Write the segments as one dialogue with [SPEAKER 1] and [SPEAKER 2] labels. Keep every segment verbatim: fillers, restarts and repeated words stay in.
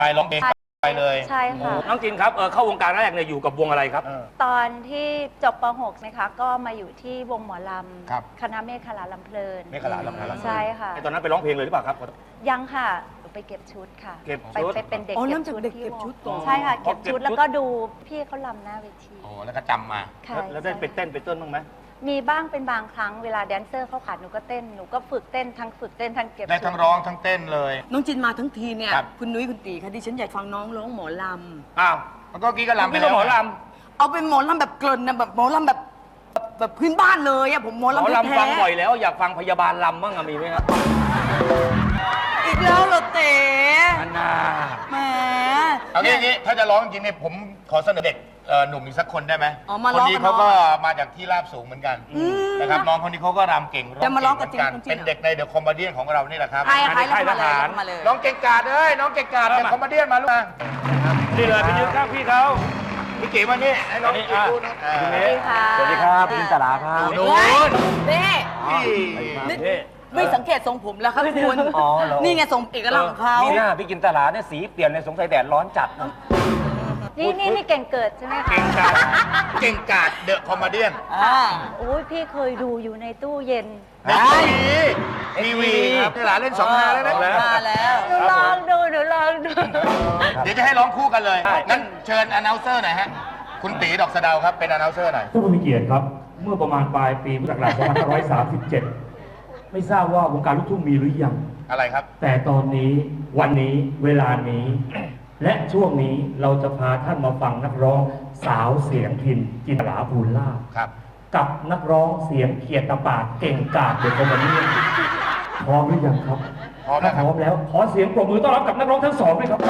[SPEAKER 1] ไปร้องเพลงไปเลย
[SPEAKER 2] ใช่ค่ะ
[SPEAKER 3] น้องจินครับเออเข้าวงการแรกเนี่ยอยู่กับวงอะไรครับ
[SPEAKER 2] ตอนที่จบป หก นะคะก็มาอยู่ที่วงหมอลำคณะเมฆขลาลำเพลิน
[SPEAKER 1] เมฆขลาลำเพลิน
[SPEAKER 2] ใช่ค่ะ
[SPEAKER 3] ตอนนั้นไปร้องเพลงเลยหรือเปล่าครับ
[SPEAKER 2] ยังค่ะไปเก็บชุดค่ะ
[SPEAKER 3] เก็บ
[SPEAKER 2] ชุดไปเป็นเด็กเก็บชุดที่วงใช่ค่ะเก็บชุดแล้วก็ดูพี่เขาลำหน้าเวที
[SPEAKER 1] โอ้แล้วก็จำมา
[SPEAKER 3] แล้วได้ไปเต้นไปเต้นบ้างไหม
[SPEAKER 2] มีบ้างเป็นบางครั้งเวลาแดนเซอร์เขาขาดหนูก็เต้นหนูก็ฝึกเต้นทั้งฝึกเต้นทั้งเก็บ
[SPEAKER 1] ได้ทั้งร้องทั้งเต้นเลย
[SPEAKER 4] น้องจินมาทั้งทีเนี่ยคุณนุ้ยคุณตีค่ะดิฉันอยากฟังน้องร้องหมอล
[SPEAKER 3] ำอ้าว
[SPEAKER 1] แล้วก็กี้ก็ลำไป
[SPEAKER 3] แล้วหมอล
[SPEAKER 4] ำเอาเป็นหมอลำแบบเกลิ่นนะแบบหมอลำแบบแบบพื้นบ้านเลยอะผมหมอลำ
[SPEAKER 3] หมอลำฟังบ่อยแล้วอยากฟังพยาบาลลำบ้างอะมีไหมครับ
[SPEAKER 4] อีกแล้วเหรอเต๋
[SPEAKER 3] อันน่า
[SPEAKER 4] แหม
[SPEAKER 1] เอางี้งี้ถ้าจะร้องจริงเนี่ยผมขอเสนอเด็กหนุ่มอีกสักคนได้ไหมคนนี้เขาก็มาจากที่ราบสูงเหมือนกันนะครับน้องคนนี้เขาก็รำเก่งร้องเก่งเหมือนกันเป็นเด็กในเดอะคอมเมดี้ของเรานี่แหละครับ
[SPEAKER 4] ใครใครทหาร
[SPEAKER 1] น้องเก่งกาดเอ้ยน้องเก่งกาดเดอะคอมเมดี้มาลูกมา
[SPEAKER 3] นี่เลยไปยืนข้างพี่เขา
[SPEAKER 1] พี่เก๋มานี่ให้น้อง
[SPEAKER 2] สวัสดีค่ะ
[SPEAKER 3] สวัสดีครับพี่จินตลาครับ
[SPEAKER 4] โน้นนี่ไม่สังเกตทรงผมแล้วครับคุณนี่ไงทรงเอกลักษณ์ของเขา
[SPEAKER 3] นี่หน้าพี่จินตลาเนี่ยสีเปลี่ยนในสงสัยแดดร้อนจัด
[SPEAKER 2] นี่นี่นี่เก่งเกิดใช่ไหมคะ
[SPEAKER 1] เก่งกาดเก่งกาดเดอะคอมเมดี้
[SPEAKER 2] โอ้ยพี่เคยดูอยู่ในตู้เย็น
[SPEAKER 1] ในทีวีครับหลานเล่นสองฮาแล้วนะ
[SPEAKER 4] มาแล้ว
[SPEAKER 2] หนูลองดูหนูลองดู
[SPEAKER 1] เดี๋ยวจะให้ร้องคู่กันเลยงั้นเชิญอนาลเซอร์หน่อยฮะคุณตีดอกสะเดาครับเป็นอนาลเซอร์หน่อย
[SPEAKER 5] ท่านผู้มีเกียรติครับเมื่อประมาณปลายปีพุทธศักราชสองพันห้าร้อยสามสิบเจ็ดไม่ทราบว่าวงการลูกทุ่งมีหรือยัง
[SPEAKER 1] อะไรครับ
[SPEAKER 5] แต่ตอนนี้วันนี้เวลานี้และช่วงนี้เราจะพาท่านมาฟังนักร้องสาวเสียงพินจินตลาภูลลาภ
[SPEAKER 1] ครับ
[SPEAKER 5] กับนักร้องเสียงเขียดตะปาดเก่งกาจเด็กคนนี้พร้อมหรือยังครับ
[SPEAKER 1] พร้อมแล้ว
[SPEAKER 5] พร้อมแล้วขอเสียงปรบมือต้อนรับกับนักร้องทั้งสองด้วยครับ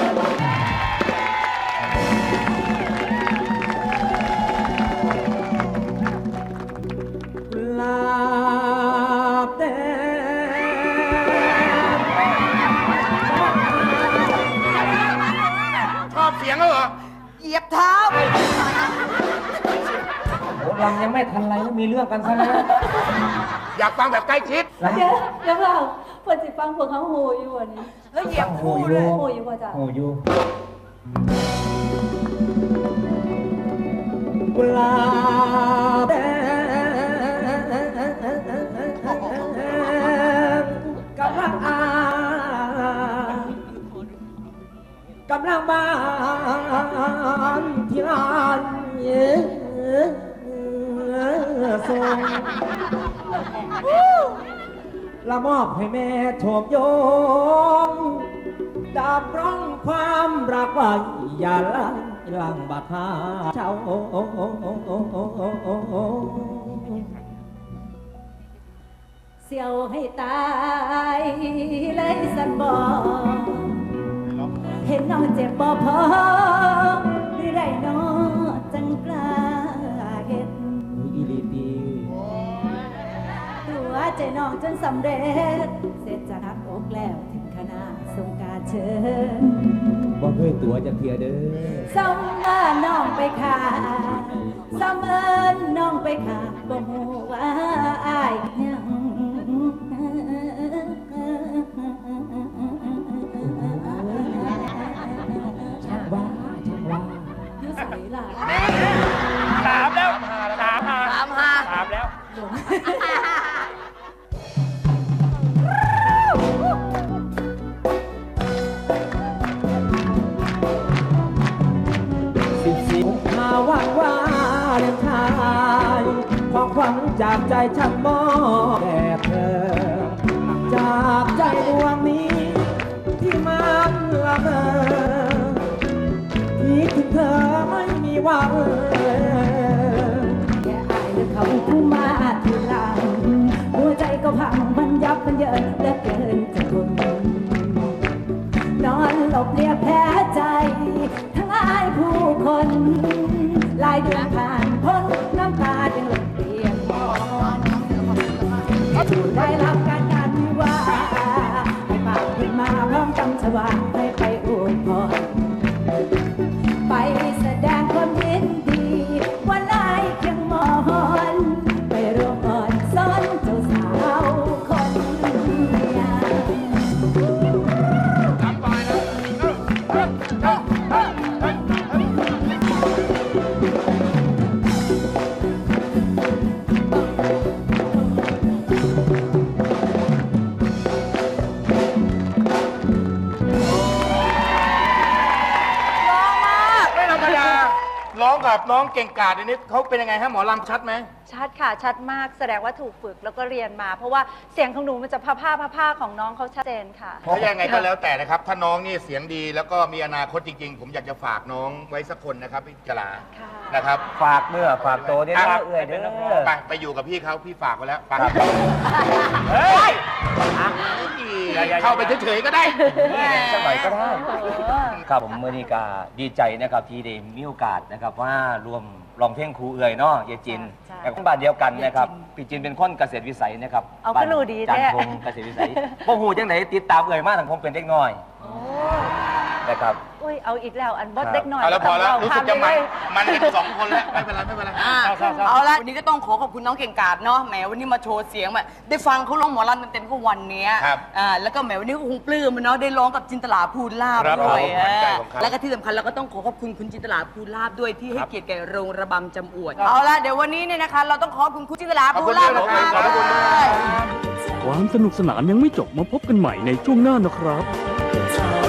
[SPEAKER 5] ลาเต้
[SPEAKER 1] ชอบเสียงแล้วเหรอ
[SPEAKER 4] เหยียบเท้า
[SPEAKER 5] ลำยังไม่ทันไรแล้วมีเรื่องกันซะแล้ว
[SPEAKER 1] อยากฟังแบบใกล้ชิด
[SPEAKER 2] เดี๋ยวเดี๋ยวเราเปิดสิฟังพวกเขาโหอยู่วันนี้
[SPEAKER 4] แล้วเหยียบคู่เลย
[SPEAKER 2] โหอยู่ว่าจ้ะ
[SPEAKER 5] โหอยู่กุหลาบแดงกำลังอากำลังบานที่ร้านเยื้อส่งละมอบให้แม่โฉบโยงดาบร้องความรักไว้อย่าลังลังบาดหาเจ้า
[SPEAKER 2] เสียวให้ตายเลยสันบอกเห็นน้องเจ็บบ่พอหรือได้น้อจังกล้าเห็น
[SPEAKER 5] อีลีดี
[SPEAKER 2] ตัวใจน้องจนสำเร็จเสร็จจะนักอกแล้วถึงขนาดส่งการเชิญ
[SPEAKER 5] บ่เคยตัวจะเพียเด้อ
[SPEAKER 2] ส่งมาน้องไปขาส่งเอิญน้องไปขาบ่ฮู้ว่าอายยัง
[SPEAKER 3] ถามแล้วถามหา
[SPEAKER 4] ถามหา
[SPEAKER 3] ถามแล้ว
[SPEAKER 5] สิบสี่กุมภาพันธ์ว่าเรื่องไทยความหวังจากใจฉันมอบแด่เธอจากใจดวงนี้ที่มันละเมอคิดถึงเธอไม่มีวัน
[SPEAKER 2] แค่อายหรือเขาผู้มาทีหลังหัวใจก็พังมันยับมันเยินเหลือเกินจะทนนอนหลบเรียบแผลใจทั้งอายผู้คนลายเดือนผ่านพ้นน้ำตาจึงหลดเปียกมอนได้รับการงานวิวาให้ปากขึ้นมาพร้อมจำชวาให้ไปอวยพรไปแสดงความยินดีวันลายเคียงมอนไปร่วมอ่อนซ้อนเจ้าสาวคนงาม
[SPEAKER 1] ไม่ธรรมดาร้องกับน้องเก่งกาจนี่เขาเป็นยังไงฮะหมอลำชัดไหม
[SPEAKER 6] ชัดค่ะชัดมากแสดงว่าถูกฝึกแล้วก็เรียนมา เพราะว่าเสียงของหนูมันจะผ้าผ้าผ้าผ้าของน้องเขาชัดเจนค่ะ
[SPEAKER 1] ถ้ายังไงก็แล้วแต่นะครับ ถ้าน้องนี่เสียงดีแล้วก็มีอนาคตจริง ๆ ผมอยากจะฝากน้องไว้สักคนนะครับพี่จลา
[SPEAKER 6] ค่ะ
[SPEAKER 1] นะครับ
[SPEAKER 3] ฝากเมื่อฝากตัวเนี่ยนะเอื้อยเด้อ
[SPEAKER 1] ไปไปอยู่กับพี่เขาพี่ฝากไว้แล้วไป
[SPEAKER 3] เฮ้ย
[SPEAKER 1] เข้าไปเฉยๆก็ได้
[SPEAKER 3] สักหน่อยก็ได้ครับผมเมื่อนี้ก็ดีใจนะครับที่ได้มีโอกาสนะครับว่ารวมร้องเพลงครูเอื้อยเนาะยายจิน
[SPEAKER 6] ใช่
[SPEAKER 3] แต่คนบ้านเดียวกันนะครับพี่จินเป็นคนเกษตรวิสัยนะครับ
[SPEAKER 6] เอา
[SPEAKER 3] บ้น
[SPEAKER 6] ก็รู้ดี
[SPEAKER 3] จัน
[SPEAKER 6] แท้
[SPEAKER 3] ทงเกษตรวิสัยบ่ฮู้จังไดติดตามเอื้อยมาตั้งผมเป็นเด็กน้อย
[SPEAKER 6] โอ้
[SPEAKER 3] นะครับ
[SPEAKER 6] อุ้ยเอาอีกแล้วอันบอส
[SPEAKER 3] ครับ
[SPEAKER 6] เด็กหน่อย
[SPEAKER 1] เอาแล้วพอแล้ว
[SPEAKER 6] ต้ง
[SPEAKER 1] รู้
[SPEAKER 6] เา
[SPEAKER 1] สึกจะมัน
[SPEAKER 6] ข้ามไปเลย
[SPEAKER 1] มันกันสองคนแล้วไม่เป็นไรไม่เป็นไร
[SPEAKER 4] อ่าเอาละวันนี้ก็ต้องขอขอบคุณน้องเก่งกาจเนาะแหมวันนี้มาโชว์เสียงแบบได้ฟังเขาร้องหมอลำเต็มๆก็วันเนี้ย
[SPEAKER 1] ครับ
[SPEAKER 4] อ่าแล้วก็แหมวันนี้ก็คงปลื้มอะเนาะได้ร้องกับจินตลาภูลาภ
[SPEAKER 1] ครับ
[SPEAKER 4] ด้วย
[SPEAKER 1] ผมขวัญใจ
[SPEAKER 4] อ่า
[SPEAKER 1] ของเขา
[SPEAKER 4] แล้วก็ที่สำคัญเราก็ต้องขอขอบคุณคุณจินตลาภูลาภด้วยที่ให้เกียรติแก่โรงระบำจำอวดเอาละเดี๋ยววันนี้เนี่ยนะคะเราต้องขอบคุณคุณจินตลาภูลาภ
[SPEAKER 1] ขอบคุณ
[SPEAKER 4] มาก
[SPEAKER 1] ขอบคุณ
[SPEAKER 4] ๆ
[SPEAKER 1] ด้วย
[SPEAKER 4] เลย
[SPEAKER 7] ความสนุกสนานยังไม่จบมาพบกันใหม่ในช่วงหน้านะครับ
[SPEAKER 2] เธอ